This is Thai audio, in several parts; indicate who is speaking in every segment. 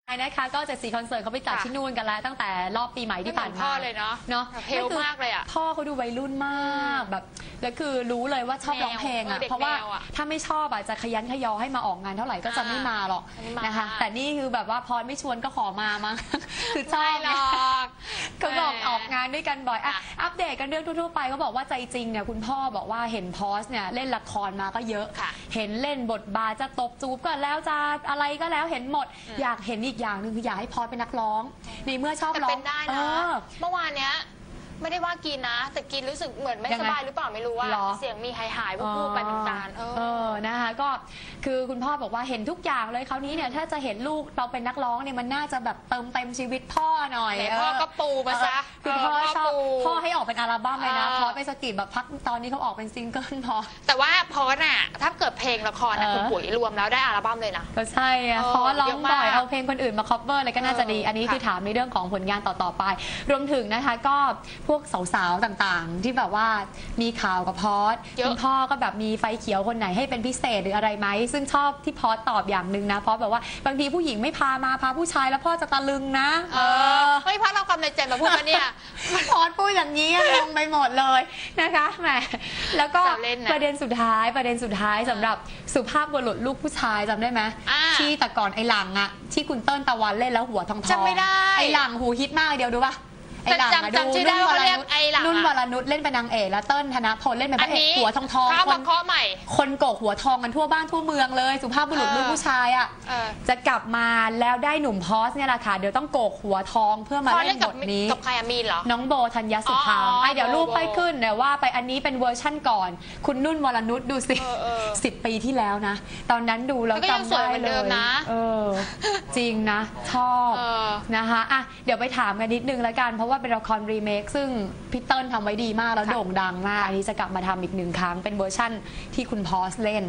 Speaker 1: นะคะก็7-4คอนเสิร์ตเขาไปจัดที่นู่นกันแล้วตั้งแต่รอบปีใหม่ที่ผ่านมา
Speaker 2: พ่อเลยเนาะเฮลมากเลยอ่ะ
Speaker 1: พ่อเขาดูวัยรุ่นมากแบบแล้วคือรู้เลยว่าชอบร้องเพลงอ่ะเพราะว่าถ้าไม่ชอบอ่ะจะขยันขยอให้มาออกงานเท่าไหร่ก็จะไม่มาหรอกนะคะแต่นี่คือแบบว่าพรไม่ชวนก็ขอมามั้งคือชอบหรอกก็บอกออกงานด้วยกันบ่อยอัปเดตกันเรื่องทั่วๆไปเขาบอกว่าใจจริงเนี่ยคุณพ่อบอกว่าเห็นพอสเนี่ยเล่นละครมาก็เยอะเห็นเล่นบทบาทจะตบจูบก็แล้วจะอะไรก็แล้วเห็นหมดอยากเห็นอีกอย่างหนึ่งคืออยากให้พอสเป็นนักร้องในเมื่อชอบร้อง
Speaker 2: เป็นได้นะเมื่อวานเนี้ยไม่ได้ว่ากินนะแต่กินรู้สึกเหมือนไม่สบายหรือเปล่าไม่รู้ว่าเสียงมีหายพูดไปเป็นตาล
Speaker 1: นะคะก็คือคุณพ่อบอกว่าเห็นทุกอย่างเลยคราวนี้เนี่ยถ้าจะเห็นลูกเราเป็นนักร้องเนี่ยมันน่าจะแบบเติมเต็มชีวิตพ่อหน่อย
Speaker 2: พ่อก็ปูมาซะ
Speaker 1: คือพ่อชอบพ่อให้ออกเป็นอัลบั้มเลยนะพอไปสกิดแบบพักตอนนี้เขาออกเป็นซิงเกิลพอ
Speaker 2: แต่ว่าพอน่ะถ้าเกิดเพลงละครนะคุณปุ๋ยรวมแล้วได้อัลบั้มเลยนะ
Speaker 1: ก็ใช่เพราะร้องบ่อยเอาเพลงคนอื่นมา cover อะไรก็น่าจะดีอันนี้คือถามในเรื่องของผลงานต่อๆไปรวมถึงนะคะก็พวกสาวๆต่างๆที่แบบว่ามีข่าวกับพอสคุณพ่อก็แบบมีไฟเขียวคนไหนให้เป็นพิเศษหรืออะไรไหมซึ่งชอบที่พอสตอบอย่างหนึ่งนะพอสแบบว่าบางทีผู้หญิงไม่พามาพาผู้ชายแล้วพ่อจะตะลึงนะ
Speaker 2: เฮ้ยพอสเราความในใจมาพูดมาเนี่ย
Speaker 1: พอสพูดอย่างนี้งงไปหมดเลยนะคะแหมแล้วก็ประเด็นสุดท้ายสำหรับสุภาพบุรุษลูกผู้ชายจำได้ไหมที่แต่ก่อนไอ้หลังอะที่คุณเติ้ลตะวันเล่นแล้วหัวทอง
Speaker 2: จำไม่ได้
Speaker 1: ไอ้หลังหูฮิตมากเดียวดูป่ะไอ้หลังมาดูนุ่นวรนุชเล่นเป็นนางเอกแล้วเติ้ลธนพลเล่นเป็นพระเอกหัวทองคนโกกหัวทองกันทั่วบ้านทั่วเมืองเลยสุภาพบุรุษลูกผู้ชายอ่ะจะกลับมาแล้วได้หนุ่มพอสเนี่ยแหละค่ะเดี๋ยวต้องโกกหัวทองเพื่อมาเล่นบทนี้
Speaker 2: กับใครมีนเหรอ
Speaker 1: น้องโบธัญญสุภาเดี๋ยวรูปไปขึ้นเดี๋ยวว่าไปอันนี้เป็นเวอร์ชั่นก่อนคุณนุ่นวรนุชดูสิ10 ปีที่แล้วนะตอนนั้นดูแล้วจำได้เลยจริงนะชอบนะคะอ่ะเดี๋ยวไปถามกันนิดนึงแล้วกันเพราะว่าเป็นละครรีเมคซึ่งพี่เติ้ลทำไว้ดีมากแล้วโด่งดังมากอันนี้จะกลับมาทำอีก1 ครั้งเป็นเวอร์ชั่นที่คุณพอสเล่น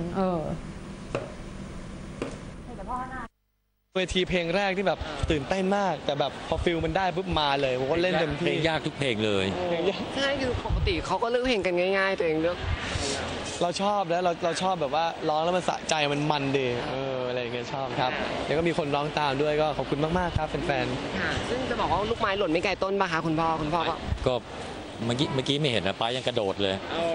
Speaker 3: เวทีเพลงแรกที่แบบตื่นเต้นมากแต่แบบพอฟิลมันได้ปุ๊บมาเลยผมก็เล่นเต็มที่
Speaker 4: เพลงยากทุกเพลงเลย
Speaker 5: ใช่คือปกติเขาก็เลือกเพลงกันง่ายๆตัวเองเลือก
Speaker 3: เราชอบแล้วเราชอบแบบว่าร้องแล้วมันสะใจมันดีอะไรอย่างเงี้ยชอบครับแล้วก็มีคนร้องตามด้วยก็ขอบคุณมากๆครับแฟน
Speaker 5: ๆซึ่งจะบอกว่าลูกไม้หล่นไม่ไกลต้นป่ะคะคุณพ่อ
Speaker 4: ก็เมื่อกี้ไม่เห็นนะป้ายังกระโดดเลย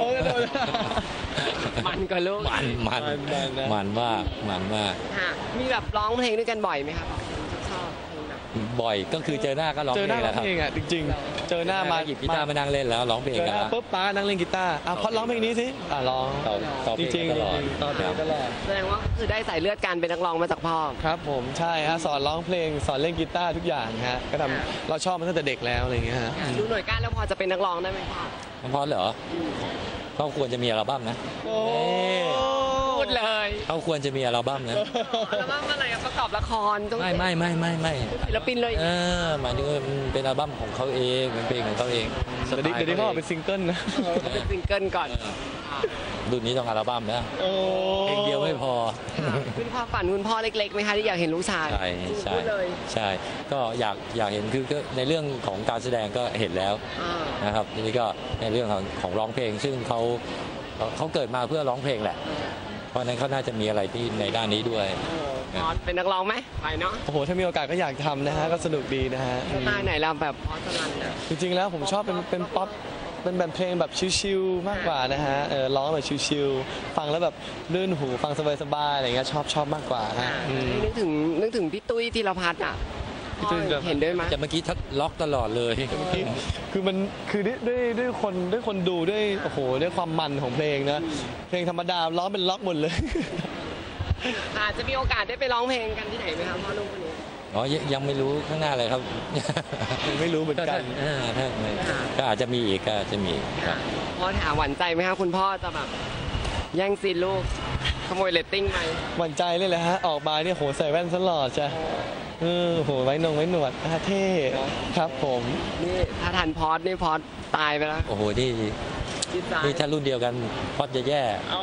Speaker 5: มันก็ลูก
Speaker 4: มันมาก
Speaker 5: มีแบบร้องเพลงด้วยกันบ่อยไหมครับ
Speaker 4: บ่อยก็คือเจอหน้าก็ร้องเพลงแล้วครับ
Speaker 3: จริงๆเจอหน้ามา
Speaker 4: หยิบกีตาร์มานั่งเล่นแล้วร้องเพลงกันแล้ว
Speaker 3: ปุ๊บป้านั่งเล่นกีตาร์พอร้องเพลงนี้สิร้อง
Speaker 4: จริง
Speaker 3: ตลอด
Speaker 5: แสดงว่าคือได้สายเลือดการเป็นนักร้องมาจากพ่อ
Speaker 3: ครับผมใช่ฮะสอนร้องเพลงสอนเล่นกีตาร์ทุกอย่างฮะก็ทำเราชอบมันตั้งแต่เด็กแล้วอะไรเงี้ยฮะ
Speaker 5: ดูหน่วยก้านแล้วพอจะเป็นนักร้องได้ไหม
Speaker 4: พ่อเหรอเขาควรจะมีอัลบั้มนะ
Speaker 5: พูดเลย
Speaker 4: เขาควรจะมีอัลบั้มนะ
Speaker 5: อัลบั้มอะไรประกอบละคร
Speaker 4: ไม่
Speaker 5: ศิลปินเลย
Speaker 4: หมายถึงเป็นอัลบั้มของเขาเองเป็นเพลงของเขาเอง
Speaker 3: เดี๋ยวนี้เขาเป็นซิงเกิลนะ
Speaker 5: เป็นซิงเกิลก่อน
Speaker 4: รุ่นนี้ต้องอัลบั้มนะเพลงเดียวไม่พอ
Speaker 5: คุณพ่อฝันคุณพ่อเล็กๆไหมคะที่อยากเห็นลูกชาย
Speaker 4: ใช่ก็อยากเห็นคือในเรื่องของการแสดงก็เห็นแล้วนะครับนี่ก็ในเรื่องของร้องเพลงซึ่งเขาเกิดมาเพื่อร้องเพลงแหละเพราะนั้นเขาน่าจะมีอะไรที่ในด้านนี้ด้วย
Speaker 5: เป็นนักร้องไหมไปเนาะ
Speaker 3: โอ้โหถ้ามีโอกาสก็อยากทำนะฮะก็สนุกดีนะฮะ
Speaker 5: สไตล์ไหนเราแบบพอสลัน
Speaker 3: จริงๆแล้วผมชอบเป็นป๊อปเป็นแบบเพลงแบบชิลๆมากกว่านะฮะร้องแบบชิลๆฟังแล้วแบบลื่นหูฟังสบายๆอะไรเงี้ยชอบมากกว่าฮะ
Speaker 5: นึกถึงพี่ตุ้ยธีรพัฒน์อ่ะเห็นด้วยไหม
Speaker 4: แต่เมื่อกี้ทักล็อกตลอดเลย
Speaker 3: คือมันคือด้วยคนดูด้วยโอ้โหด้วยความมันของเพลงนะเพลงธรรมดาร้องเป็นล็อกหมดเลย
Speaker 5: อาจจะมีโอกาสได้ไปร้องเพลงกันที่ไหนไหมครับพ่อลูกคนนี้
Speaker 4: ยังไม่รู้ข้างหน้าเลยครับ
Speaker 3: ยังไม่รู้เหมือนกัน
Speaker 4: ก็อาจจะมีอีกก็จะมี
Speaker 5: พ่อถามหวั่นใจไหมครับคุณพ่อจะแบบแย่งซีนลูกขโมยเรตติ้งไหม
Speaker 3: หวั่นใจเลยแหละฮะออกมาเนี่ยโหใส่แว่นตลอดจ้ะโหไว้หนวดเท่ครับผม
Speaker 5: นี่ถ้าทันพอดนี่พอดตายไปแล้ว
Speaker 4: โอ้โหนี่ถ้ารุ่นเดียวกันพอดจะแย่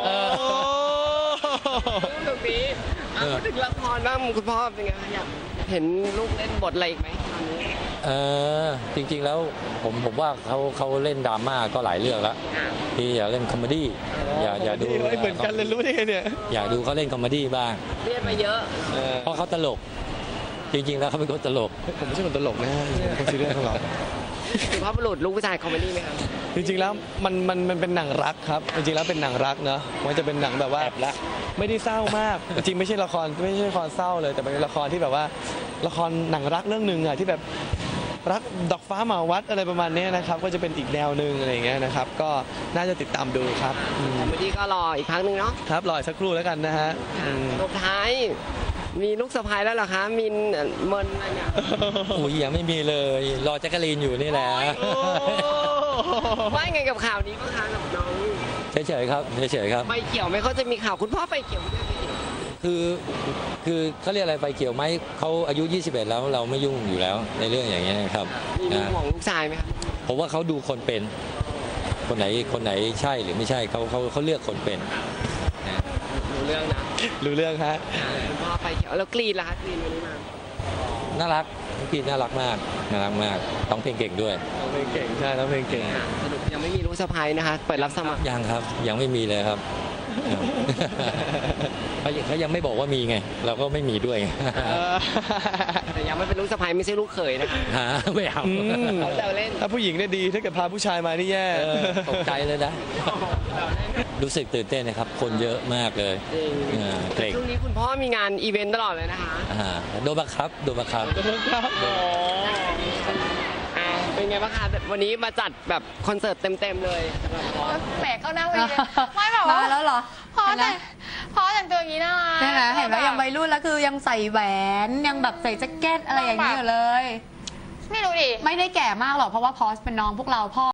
Speaker 5: ตรงนี้พูดถึงละครบ้างคุณพ่อเป็นไงอยากเห็นลูกเล่นบทอะไรอีกไหมตอนนี้
Speaker 4: จริงๆแล้วผมว่าเขาเล่นดราม่าก็หลายเรื่องแล้วที่อยากเล่นคอมเมดี้อยากดู
Speaker 3: เหมือนกันเลยรู้ได้ไงเนี่ย
Speaker 4: อยากดูเขาเล่นคอมเมดี้บ้าง
Speaker 5: เรียนมาเยอะ
Speaker 4: เพราะเขาตลกจริงๆแล้วเขาเป็นคนตลก
Speaker 3: ผมไม่ใช่คนตลกนะฮะผมคนซีเรียสตลอด
Speaker 5: สุภาพบุรุษลูกผู้ชายคอมเมดี้ไหมครับ
Speaker 3: จริงๆแล้วมันเป็นหนังรักครับจริงๆแล้วเป็นหนังรักเนาะมันจะเป็นหนังแบบว่า
Speaker 4: แอบรัก
Speaker 3: ไม่ได้เศร้ามากจริงๆไม่ใช่ละครเศร้าเลย แต่เป็นละครที่แบบว่าละครหนังรักเรื่องหนึ่งอะที่แบบรักดอกฟ้าหมาวัดอะไรประมาณนี้นะครับก็จะเป็นอีกแนวหนึ่งอะไรอย่างเงี้ยนะครับก็น่าจะติดตามดูครับ
Speaker 5: คอมเมดี้ก็รออีกครั้งหนึ่งเนาะ
Speaker 3: ครับรออีกสักครู่แล้วกันนะฮะอืม
Speaker 5: สุดท้ายมีลูกสะพ้ายแล้วเหรอคะมินเมินอะไรเนี่ย
Speaker 4: อุ้ยยังไม่มีเลยรอแจ็คกะลีนอยู่นี่แหละ
Speaker 5: ว่าไงกับข่าวนี้บ้างคะกับน้อง
Speaker 4: เฉยๆครับเฉยๆครับ
Speaker 5: ใบเขียวไหมเขาจะมีข่าวคุณพ่อใบเขียวไม่ได้ใบเขียว
Speaker 4: คือเขาเรียกอะไรไฟเขียวไหมเขาอายุ 21 แล้วเราไม่ยุ่งอยู่แล้วในเรื่องอย่างเงี้ยนะครับ
Speaker 5: มี
Speaker 4: นะ
Speaker 5: ห่วงลูกชายไหมครับ
Speaker 4: ผมว่าเขาดูคนเป็น คนไหนใช่หรือไม่ใช่เขาเลือกคนเป็นนะ
Speaker 5: รู้เรื่องนะ
Speaker 3: รู้เรื่องฮะ
Speaker 5: คุณพ่อใบเขียวแล้วกรีนล่ะคะกรีนวันนี้มา
Speaker 4: น่ารักน้องพีน่ารักมากร้องเพลงเก่งด้วย
Speaker 3: น้องเพลงเก่งใช่น้องเพลงเก่ง
Speaker 5: สรุปยังไม่มีลูกสะพ้ายนะคะ เปิดรับสมัคร
Speaker 4: ยังครับยังไม่มีเลยครับ เขายังไม่บอกว่ามีไง เราก็ไม่มีด้วยไง
Speaker 5: แต่ยังไม่เป็นลูกสะพ้ายไม่ใช่ลูกเขยนะคะ
Speaker 4: หาไม่เอา
Speaker 3: อืม
Speaker 5: เขาแซวเล่น
Speaker 3: ถ้าผู้หญิงเนี่ยดีถ้าเกิดพาผู้ชายมานี่แย่
Speaker 4: ตกใจเลยนะ รู้สึกตื่นเต้นนะครับ คนเยอะมากเลย
Speaker 5: จริง
Speaker 4: เกรง
Speaker 5: ช่วงนี้คุณพ่อมีงานอีเวนต์ตลอดเลยนะคะ
Speaker 4: โดนบังคับ
Speaker 5: เป็นไงบ้างคะวันนี้มาจัดแบบคอนเสิร์ตเต็มๆเลยสำหรับพ่อ
Speaker 2: แหมเข้าหน้าเวทีไม่แบบว่า
Speaker 1: มาแล้วเหรอ
Speaker 2: พอแต่งตัวอย่างนี้นะ
Speaker 1: ใช่ไหมเห็นไหมยังวัยรุ่นแล้วคือยังใส่แหวนยังแบบใส่แจ็คเก็ตอะไรอย่างนี้อยู่เลย
Speaker 2: ไม่รู้ดิ
Speaker 1: ไม่ได้แก่มากหรอกเพราะว่าพอสเป็นน้องพวกเราพ่อ